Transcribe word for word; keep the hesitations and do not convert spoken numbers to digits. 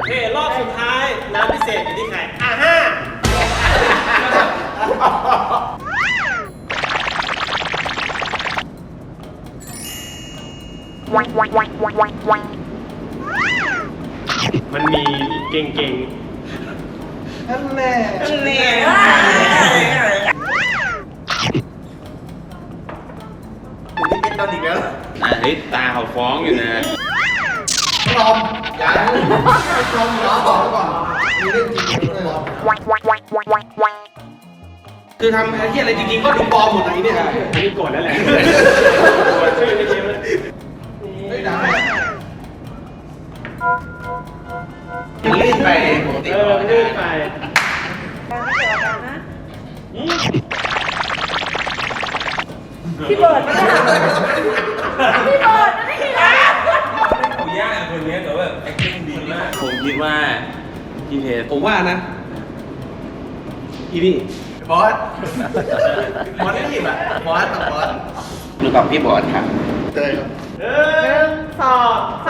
เครอบสุดท้ายน้ำพิเศษอยู่ที่ใครอ่ะห้ามันมีเก่งๆนั่นแน่นั่นแน่นี่เป็นตอนอีกแล้วอ่ะเฮ้ยตาเขาฟ้องอยู่นะลอมอย่าลอมล้อบอกก่อนมีเรื่องจริงเลยลอมคือทำอะไรที่อะไรจริงๆก็ดูปลอมหมดเลยเนี่ยอันนี้โกรธแล้วแหละโกรธชื่อไม่เจอไม่ได้ลื่นไปเออลื่นไปพี่เบิร์ดไม่ได้พี่เบิร์ดไม่ได้เขายากคนนี้แต่ว่า acting ดีมากผมคิดว่าพี่เพชรผมว่านะอีนี่บอสบอสไม่ผิดอ่ะบอสกับบอสหรือกับพี่บอสครับเต้ยครับหนึ่งสอง